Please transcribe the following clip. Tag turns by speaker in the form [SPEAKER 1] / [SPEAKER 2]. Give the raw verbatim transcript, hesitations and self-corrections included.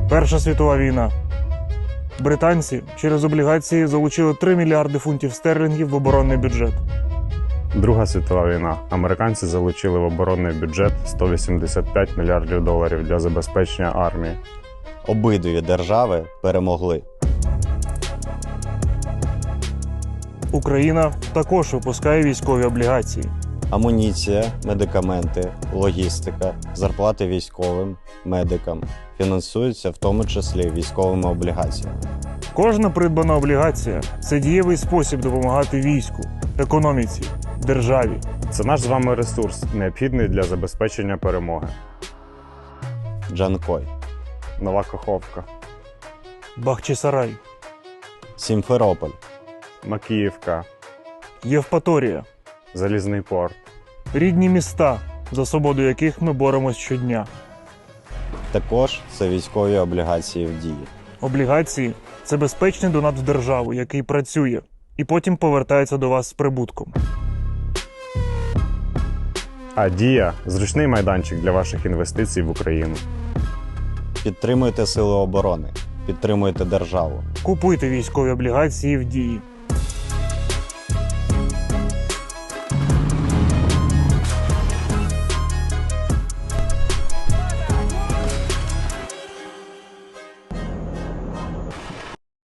[SPEAKER 1] Перша світова війна. Британці через облігації залучили три мільярди фунтів стерлінгів в оборонний бюджет.
[SPEAKER 2] Друга світова війна. Американці залучили в оборонний бюджет сто вісімдесят п'ять мільярдів доларів для забезпечення армії.
[SPEAKER 3] Обидві держави перемогли.
[SPEAKER 1] Україна також випускає військові облігації.
[SPEAKER 3] Амуніція, медикаменти, логістика, зарплати військовим, медикам фінансуються в тому числі військовими облігаціями.
[SPEAKER 1] Кожна придбана облігація – це дієвий спосіб допомагати війську, економіці, державі.
[SPEAKER 2] Це наш з вами ресурс, необхідний для забезпечення перемоги.
[SPEAKER 3] Джанкой,
[SPEAKER 2] Нова Каховка,
[SPEAKER 1] Бахчисарай,
[SPEAKER 3] Сімферополь,
[SPEAKER 2] Макіївка,
[SPEAKER 1] Євпаторія.
[SPEAKER 2] Залізний порт.
[SPEAKER 1] Рідні міста, за свободу яких ми боремось щодня.
[SPEAKER 3] також це військові облігації в дії.
[SPEAKER 1] Облігації – це безпечний донат в державу, який працює, і потім повертається до вас з прибутком.
[SPEAKER 2] А Дія – зручний майданчик для ваших інвестицій в Україну.
[SPEAKER 3] Підтримуйте сили оборони, підтримуйте державу.
[SPEAKER 1] Купуйте військові облігації в Дії.